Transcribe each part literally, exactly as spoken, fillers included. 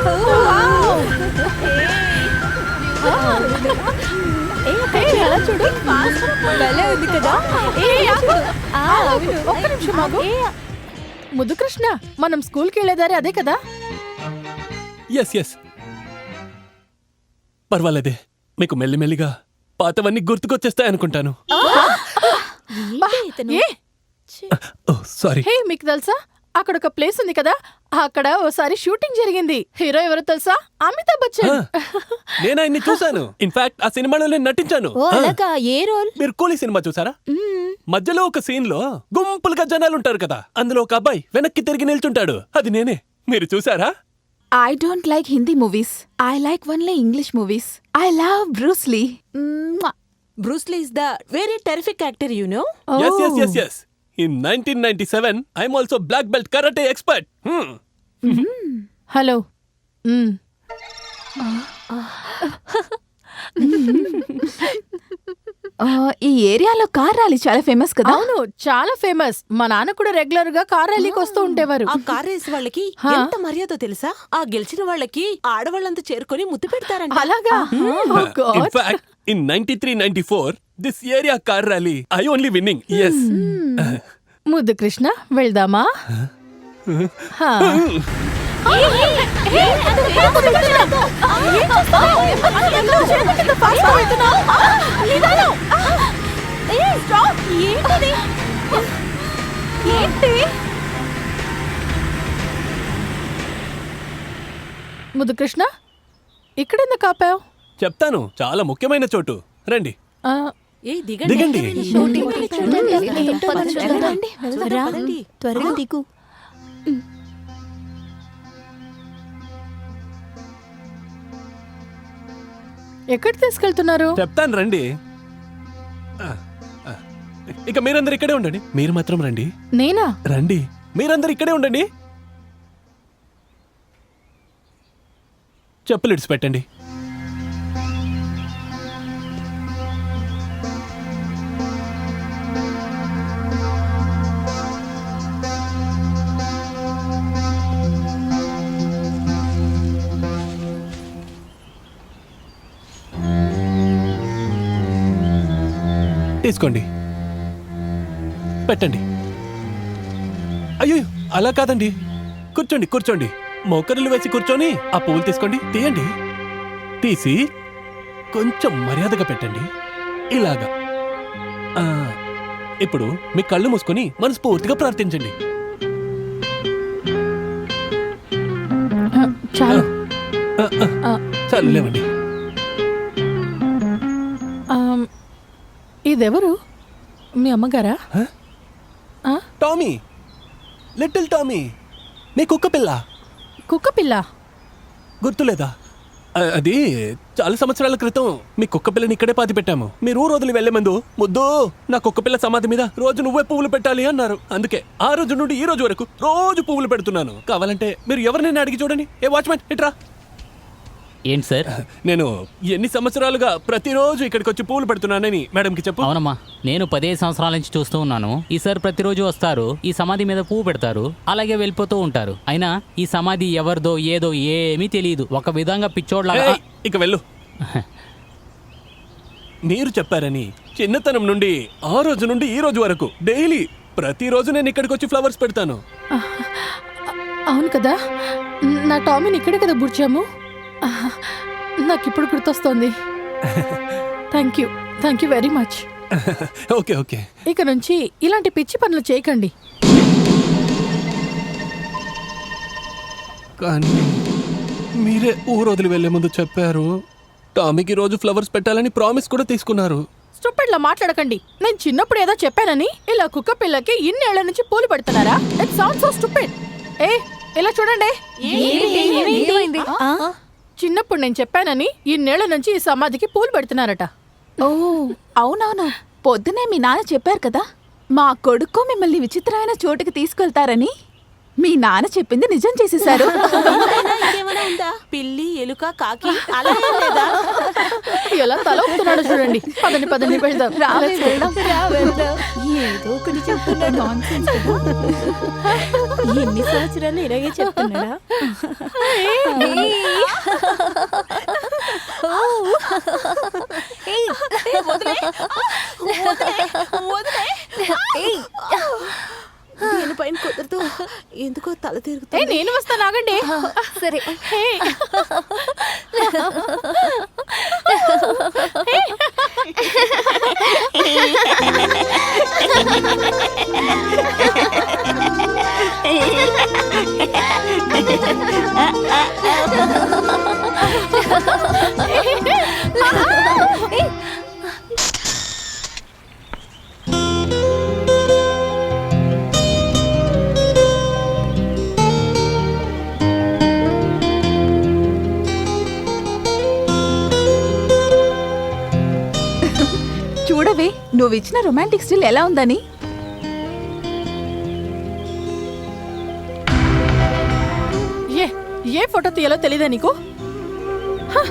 చూడు భలే ఉంది కదా. ఒక్క నిమిషం ఆగు. ముద్దు కృష్ణ, మనం స్కూల్కి వెళ్ళేదారి అదే కదా? ఎస్ ఎస్ పర్వాలేదే, మీకు మెల్లిమెల్లిగా పాతవన్నీ గుర్తుకొచ్చేస్తాయనుకుంటాను. సారీ. హే, మీకు తెలుసా అక్కడ ఒక ప్లేస్ ఉంది కదా, అక్కడ ఓసారి షూటింగ్ జరిగింది. హీరో ఎవరో తెలుసా? అమితాబ్ బచ్చన్. నేను ఆయన్ని చూశాను. ఇన్ఫాక్ట్ ఆ సినిమాలో నేను నటించాను. ఏ రోల్? మీరు కూలీ సినిమా చూసారా? మధ్యలో ఒక సీన్ లో గుంపులుగా జనాలు ఉంటారు కదా, అందులో ఒక అబ్బాయి వెనక్కి తిరిగి నిల్చుంటాడు. అది నేనే. మీరు చూసారా? I don't like Hindi movies. I like only English movies. I love Bruce Lee. Mwah. Bruce Lee is the very terrific actor, you know? Oh. Yes, yes, yes, yes. In nineteen ninety-seven, I'm also black belt karate expert. Hmm. Hello. ఈ ఏరియాలో car rally చాలా famous కదా? అవును, చాలా famous. మా నాన్న కూడా regular గా కార్ ర్యాలీకి వస్తూ ఉండేవారు. ఆ కార్ రేస్ వాళ్ళకి ఎంత మర్యాద తెలుసా? ఆ గెలిచిన వాళ్ళకి ఆడవాళ్ళంతా చేరుకొని ముద్దు పెడతారంట. అలాగా? In fact, in ninety-three ninety-four, this area car rally, I only winning. Yes. ముద్దు కృష్ణ, వెళ్దామా? ముద్దు కృష్ణ, ఇక్కడెందుకు ఆపావు? చెప్తాను, చాలా ముఖ్యమైన చోటు. రండి. ఏ దిగండి. దిగండి. త్వరగా దిగు. ఎక్కడికి తీసుకెళ్తున్నారు? చెప్తాను, రండి. ఇక మీరందరు ఇక్కడే ఉండండి. మీరు మాత్రం రండి. నేనా? రండి, మీరందరు ఇక్కడే ఉండండి. చెప్పులు ఇడిచిపెట్టండి. తీసుకోండి, పెట్టండి. అయ్యో, అలా కాదండి. కూర్చోండి, కూర్చోండి. మోకరులు వేసి కూర్చొని ఆ పువ్వులు తీసుకోండి. తీయండి. తీసి కొంచెం మర్యాదగా పెట్టండి. ఇలాగా. ఇప్పుడు మీ కళ్ళు మూసుకొని మనస్ఫూర్తిగా ప్రార్థించండి. చాలు చాలు, లేవండి. ఇదెవరు? మీ అమ్మగారా? టామీ, లిటిల్ టామీ, మీ కుక్క పిల్ల. కుక్క పిల్ల? గుర్తులేదా? అది చాలా సంవత్సరాల క్రితం మీ కుక్క పిల్లని ఇక్కడే పాతి పెట్టాము. మీరు ఊరు వదిలి వెళ్లే ముందు, ముద్దు నా కుక్క పిల్ల సమాధి మీద రోజు నువ్వే పువ్వులు పెట్టాలి అన్నారు. అందుకే ఆ రోజు నుండి ఈ రోజు వరకు రోజు పువ్వులు పెడుతున్నాను. కావాలంటే మీరు ఎవరినైనా అడిగి చూడండి. ఏ వాచ్మెన్, ఇట్రా. ఏంటి సార్? నేను ఎన్ని సంవత్సరాలుగా ప్రతిరోజు ఇక్కడికి వచ్చి పువ్వులు పెడుతున్నానని మేడంకి చెప్పు. అవునమ్మా, నేను పదిహేను సంవత్సరాల నుంచి చూస్తూ ఉన్నాను. ఈ సార్ ప్రతిరోజు వస్తారు, ఈ సమాధి మీద పువ్వు పెడతారు, అలాగే వెళ్ళిపోతూ ఉంటారు. అయినా ఈ సమాధి ఎవరిదో ఏదో ఏమీ తెలియదు. ఒక విధంగా పిచ్చోడ్లాగా. ఇక వెళ్ళు. మీరు చెప్పారని చిన్నతనం నుండి ఆ రోజు నుండి ఈ రోజు వరకు డైలీ ప్రతిరోజు నేను ఇక్కడికి వచ్చి ఫ్లవర్స్ పెడతాను. అవును కదా, నా టామీని ఇక్కడే కదా బుడ్చాము. నాకు ఇప్పుడు గుర్తొస్తోంది. Thank you, thank you very much. Okay okay. ఇక నుంచి ఇలాంటి పిచ్చి పనులు చేయకండి. కానీ మీరే ఊరు వదిలి వెళ్లే ముందు చెప్పారు. టామీకి రోజు ఫ్లవర్స్ పెట్టాలని ప్రామిస్ కూడా తీసుకున్నారు. స్టూపిడ్ లా మాట్లాడకండి. నేను చిన్నప్పుడు ఏదో చెప్పానని ఇలా కుక్క పిల్లకి ఇన్నేళ్ల నుంచి పూలు పెడుతున్నారా? It sounds so stupid. ఏ, ఇలా చూడండి. చిన్నప్పుడు నేను చెప్పానని ఇన్నేళ్ల నుంచి ఈ సమాధికి పూలు పెడుతున్నారట. ఓ అవునవును, పొద్దునే మీ నాన్న చెప్పారు కదా, మా కొడుకు మిమ్మల్ని విచిత్రమైన చోటుకి తీసుకెళ్తారని. మీ నాన్న చెప్పింది నిజం చేసేశారు. ఇంతైనా ఇంకేమైనా ఉందా? పిల్లి ఎలుక కాకి అలా ఏం లేదా? ఎలా తల ఊపుతున్నాడో చూడండి. పదండి పదండి వెళ్దాం. రావే వెళ్దాం. ఏదో ఒకటి చెప్తున్నాడు. ఎన్ని సంవత్సరాలు ఇలాగే చెప్తున్నాడా? దీనిపైన కుదరదు, ఎందుకో తల ఏ తిరుగుతుంది. నేను వస్తాను, ఆగండి. సరే చూడవే నువ్వు ఇచ్చిన రొమాంటిక్ స్టిల్ ఎలా ఉందని. ఏ ఏ ఫోటో తీయాలో తెలీదా నీకు? హ!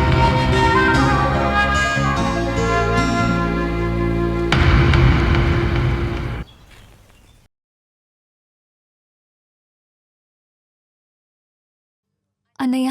అన్నయ్య,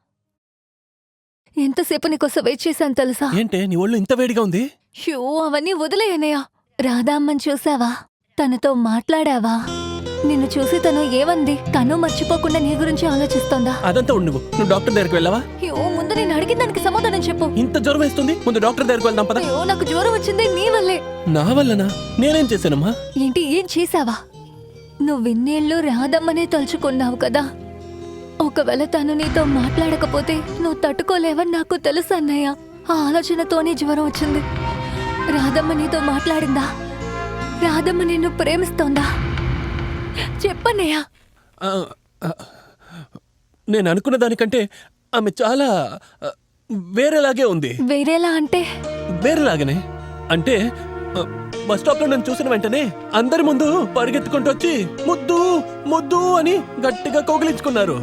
ఎంతసేపు నీకోసం వెయిట్ చేశాను తెలుసా? ఏంటే నీ ఒళ్ళు ఇంత వేడిగా ఉంది? షూ అవన్నీ వదిలే అన్నయ్య. రాధామ్మని చూసావా? తనతో మాట్లాడావా? నిన్ను చూసి తను ఏమంది? తను మర్చిపోకుండా నీ గురించి ఆలోచిస్తోందా? అదంతా ఉండు. నువ్వు నువ్వు డాక్టర్ దగ్గరికి వెళ్ళావా? అయ్యో, ముందు నేను అడిగిన దానికి సమాధానం చెప్పు. ఇంత జ్వరం వేస్తుంది, ముందు డాక్టర్ దగ్గరికి వెళ్దాం పద. అయ్యో, నాకు జ్వరం వచ్చింది నీ వల్లే. నా వల్లనా? నేనేం చేశానమ్మా? ఏంటి, ఏం చేసావా? నువ్వు ఇన్నేళ్ళు రాధమ్మనే తలుచుకున్నావు కదా. ఒకవేళ తను నీతో మాట్లాడకపోతే నువ్వు తట్టుకోలేవని నాకు తెలుసు అన్నయ్య. ఆ ఆలోచనతోనే జ్వరం వచ్చింది. రాధమ్మ నీతో మాట్లాడిందా? రాధమ్మ నిన్ను ప్రేమిస్తోందా? చెప్పన్నయ్య. ఆ, ఆ, నేను అనుకున్న దానికంటే ఆమె చాలా ఆ, వేరేలాగే ఉంది. వేరేలా అంటే? వేరేలాగనే అంటే ఆ, బస్ స్టాప్ లో నన్ను చూసిన వెంటనే అందరి ముందు పరిగెత్తుకుంటూ వచ్చి ముద్దు ముద్దు అని గట్టిగా కౌగిలించుకున్నారు.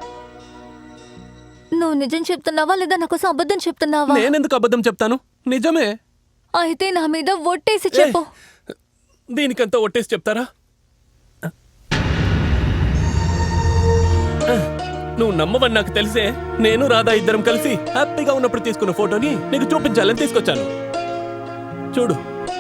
నువ్వు నిజం చెప్తున్నావా లేదా నా కోసం అబద్ధం చెప్తున్నావా? నేనెందుకు అబద్ధం చెప్తాను? నిజమే. అయితే నా మీద ఒట్టేసి చెప్పు. దీనికంతా ఒట్టేసి చెప్తారా? నువ్వు నమ్మవని నాకు తెలిసే నేను రాధా ఇద్దరం కలిసి హ్యాపీగా ఉన్నప్పుడు తీసుకున్న ఫోటోని నీకు చూపించాలని తీసుకొచ్చాను. చూడు.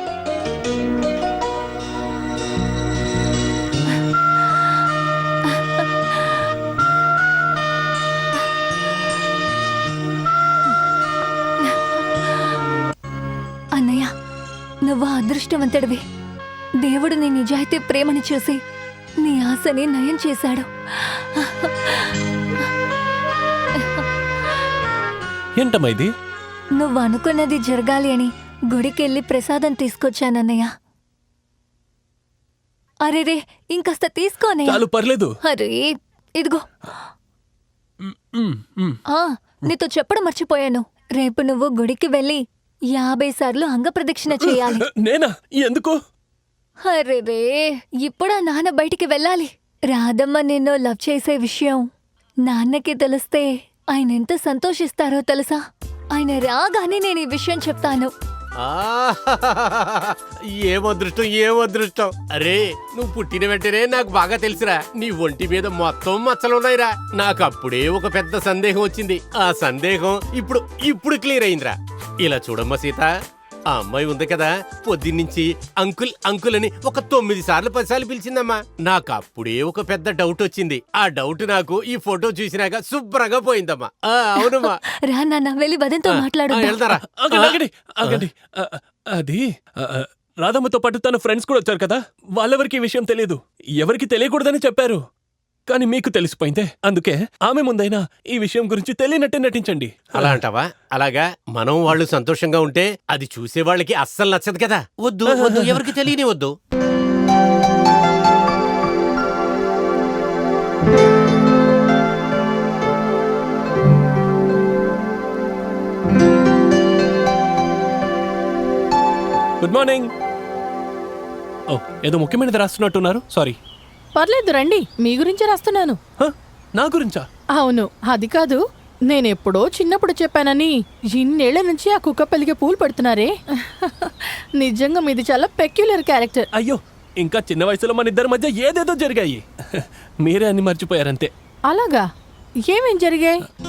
అన్నయ్య, నువ్వు అదృష్టవంతుడివి. దేవుడు నీ నిజాయితీ ప్రేమని చూసి నీ ఆశని నయం చేశాడు. ఏంటమ్మా ఇది? నువ్వు అనుకున్నది జరగాలి అని గుడికెళ్ళి ప్రసాదం తీసుకొచ్చానన్నయ్య. అరే రే, ఇంకాస్త తీసుకోనయ్య. చాలు, పర్లేదు. అరే ఇదిగో. మ్, మ్. ఆ నీతో చెప్పడం మర్చిపోయాను. రేపు నువ్వు గుడికి వెళ్ళి యాభై సార్లు అంగప్రదక్షిణ చేయాలి. నేనా? ఎందుకు? అరే రే, ఇప్పుడా నాన్న బయటికి వెళ్ళాలి. రాధమ్మ నిన్ను లవ్ చేసే విషయం నాన్నకి తెలిస్తే ఆయన ఎంత సంతోషిస్తారో తెలుసా? ఆయన రాగానే నేను ఈ విషయం చెప్తాను. ఏం అదృష్టం, ఏం అదృష్టం. అరే, నువ్వు పుట్టిన వెంటనే నాకు బాగా తెలుసురా. నీ ఒంటి మీద మొత్తం మచ్చలున్నాయిరా. నాకు అప్పుడే ఒక పెద్ద సందేహం వచ్చింది. ఆ సందేహం ఇప్పుడు ఇప్పుడు క్లియర్ అయిందిరా. ఇలా చూడమ్మా సీత, ఆ అమ్మాయి ఉంది కదా, పొద్దున్నుంచి అంకుల్ అంకుల్ అని ఒక తొమ్మిది సార్లు పది సార్లు పిలిచిందమ్మా. నాకు అప్పుడే ఒక పెద్ద డౌట్ వచ్చింది. ఆ డౌట్ నాకు ఈ ఫోటో చూసినాక శుభ్రంగా పోయిందమ్మా. ఆ, అవునమ్మా. రా నాన్న, వెళ్ళి వదంతో మాట్లాడు. ఆ, వెళ్తారా? ఆగండి, ఆగండి, ఆగండి. ఆ, అది ఆ, ఆ, రాధమ్మతో పాటు తన ఫ్రెండ్స్ కూడా వచ్చారు కదా, వాళ్ళెవరికి ఈ విషయం తెలియదు. ఎవరికి తెలియకూడదని చెప్పారు. కానీ మీకు తెలిసిపోయిందే. అందుకే ఆమె ముందైనా ఈ విషయం గురించి తెలియనట్టే నటించండి. అలా అంటావా? అలాగా మనం వాళ్ళు సంతోషంగా ఉంటే అది చూసే వాళ్ళకి అస్సలు నచ్చదు కదా. వద్దు వద్దు, ఎవరికి తెలియని వద్దు. Good morning. ఓ, ఏదో ముఖ్యమైనది రాస్తున్నట్టున్నారు. సారీ. పర్లేదు రండి, మీ గురించి రాస్తున్నాను. హ? నా గురించా? అవును, అది కాదు, నేనెప్పుడో చిన్నప్పుడు చెప్పానని ఇన్నేళ్ల నుంచి ఆ కుక్క పెలిగే పూలు పెడుతున్నారే. నిజంగా మీది చాలా పెక్యులర్ క్యారెక్టర్. అయ్యో, ఇంకా చిన్న వయసులో మన ఇద్దరి మధ్య ఏదేదో జరిగాయి. మీరే అన్ని మర్చిపోయారంతే. అలాగా? ఏమేం జరిగాయి?